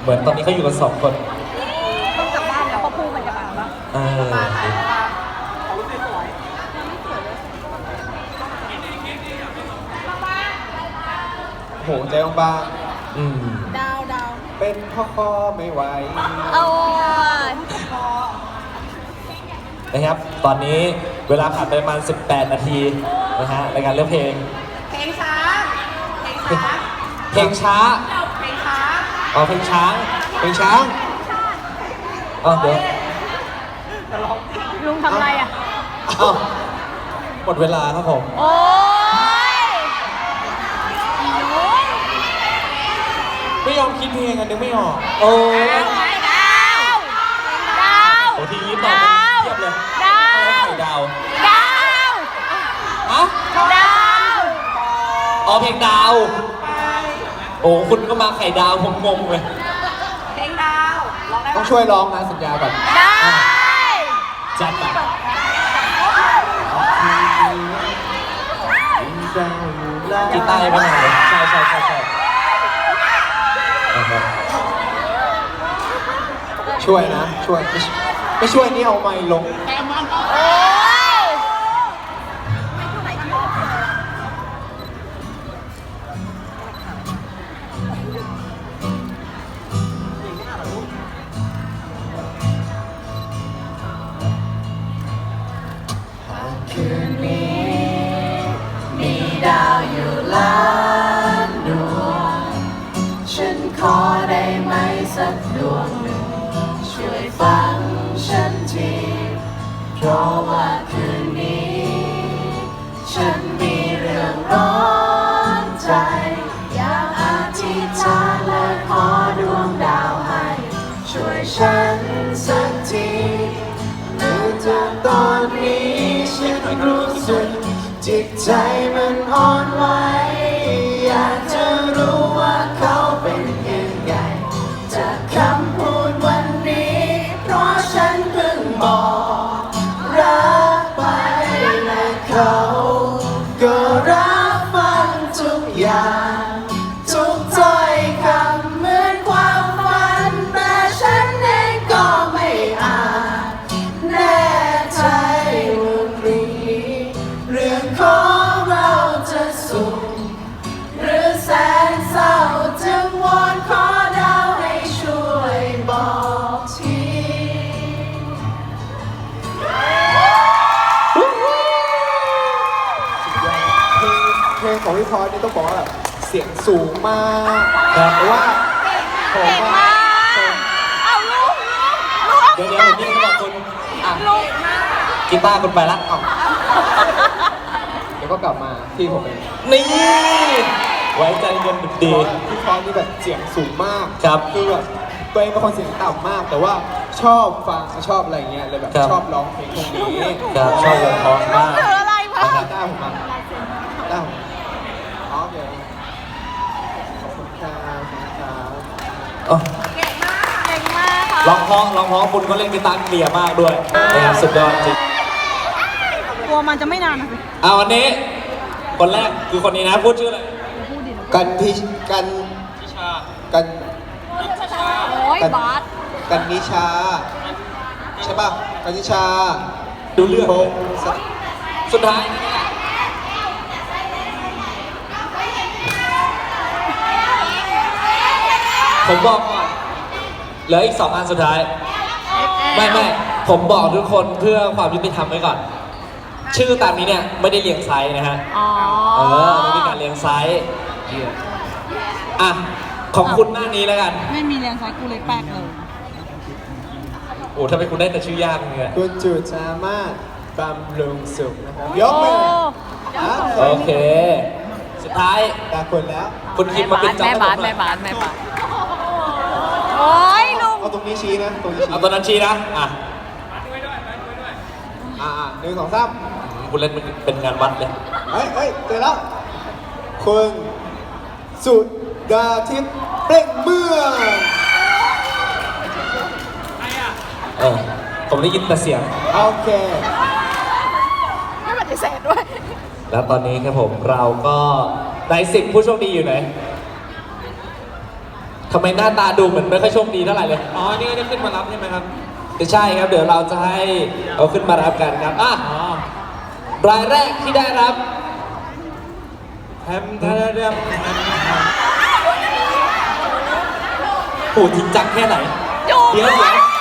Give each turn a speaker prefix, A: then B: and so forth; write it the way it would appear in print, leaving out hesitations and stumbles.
A: เหมือนตอนนี้เขาอยู่กัน2 คน
B: ต้องกลับบ้านแล้วเพราะพูมันจะมาปะ
C: โหใจบาง
B: ดาว
C: ๆเป็นพ่อคอไม่ไหว
B: โอ้ย
A: นะครับตอนนี้เวลาผ่านไปประมาณ18 นาทีนะฮะในการเลือกเพลง
B: ช้า
A: เพลงช้าอ๋อเพลงช้างอ๋อเดี๋ยว
B: ลุงทำอะไรอ่ะ
A: อ้าวหมดเวลาครับผม
B: โอ้ย
C: ไม่ยอมคิดเพลงกันนึกไม่ออก
A: โอ้
B: ดาว
A: โอ้ทีนี้ตอบเทียบเลยดาวฮะอ๋อเพลงดาวโอ้คุณก็มาไข่ดาวผมงงเลย
B: เพลงดาว
C: ต้องช่วยร้องนะสัญญาก่อน
B: ได้
A: จัดไปกีตาร์ยังไม่มาเลยใช่
C: ช่วยนะช่วยไม่ช่วยนี่เอาไมค์ลงคืนนี้มีดาวอยู่ล้านดวงฉันขอได้ไหมสักดวงหนึ่งช่วยฟังฉันทีเพราะว่าคืนนี้ฉันมีเรื่องร้อนใจอยากอธิษฐานและขอดวงดาวให้ช่วยฉันสักทีเนื่องจากตอนนี้ฉันรู้สึกจิตใจมันอ่อนไหวอยากจะรู้ว่าเขาเป็นยังไงจากคำพูดวันนี้เพราะฉันเพิ่งบอกรักไปและเขาก็รับฟังทุกอย่างทุกถ้อยคำเหมือนความฝันแต่ฉันเองก็ไม่อาจแน่ใจว่าเรื่องของเราจะสุขหรือแสนเศร้าจึงวอนขอดาวให้ช่วยบอกทีเพลงของพี่พอสนี่ต้องบอกว่าเสียงสูงมากเพราะว่าผมว่า
B: เอาลุง
A: เดี๋ยวผมนี่บอกคุณกีตาร์คุณไปละ
C: เดี๋ยวก็กลับมาที่ผมเอง
A: นี่ไว้ใจเย็นดี
C: พี่พอสนี่แบบเสียงสูงมาก
A: ครับ
C: คือแบบตัวเองเป็นคนเสียงต่ำมากแต่ว่าชอบฟังชอบอะไรเงี้ยเลยแบบชอบร้องเพลงพวกนี้
A: ครับชอบวงเพราะมาก
B: ถืออะไรพะ
C: ได้ผมมาได้ผมอ๋อเดี๋ยวขอบคุณครับ
B: เก่งมากค่ะ
A: ร้องเพราะคุณก็เล่นกีตาร์เคลียร์มากด้วยนะครับสุดยอดจริง
B: กลัวมันจะไม่นานนะสิ
A: วันนี้คนแรกคือคนนี้นะพูดชื่ออะไร
C: กัน
B: โอ้ยบาส
C: กันนิชาใช่ป่ะกันนิชา
A: ดูเรื่องสุดท้ายผมบอกก่อนเหลืออีก2 อันสุดท้ายไม่ผมบอกทุกคนเพื่อความยุติธรรมไว้ก่อนชื่อตามนี้เนี่ยไม่ได้เรียงไซส์นะฮะไม่มีการเรียงไซส์อ่ะของคุณหน้านี้แล้วกัน
B: ไม่มีเรียงไซส์กูเลยแปลกเลย
A: โอ้ทำไมคุณได้แต่ชื่อยากเนี่ย
C: คุณจุดสามารถบำรุงสุขนะครับยกมือ
A: โอเคสุดท้าย
C: ตาคนแล้ว
A: คุณคิดมาเป็นจอม
B: แม่บาสโอ้ยลุง
C: เอาตรงนี้ชี้นะตรงนี้ชี้
A: เอาตรงนั้นชี้นะ
C: 1 2 3
A: คุณเล่นเป็นงานวัดเลย
C: เฮ้ยเจอแล้วคุณสุดาทิพย์เปล่งเมือง
A: ผมได้ยินแต่เสียง
C: โอเค
B: ไม่ปฏิเสธด้วย
A: แล้วตอนนี้ครับผมเราก็ได้10 ผู้โชคดีอยู่ไหนทำไมหน้าตาดูเหมือนไม่ค่อยโชคดีเท่าไหร่เลย
D: อ๋อ นี่ก็จะขึ้นมารับใช่ไหมครับ
A: ใช่ครับ เดี๋ยวเราจะให้เอาขึ้นมารับกันครับอ่ะ
D: อ๋อ
A: รายแรกที่ได้รับ
D: แฮมทาราเดม
A: โหจริงจังแค่ไหน
B: จูบ
A: เดี๋ยว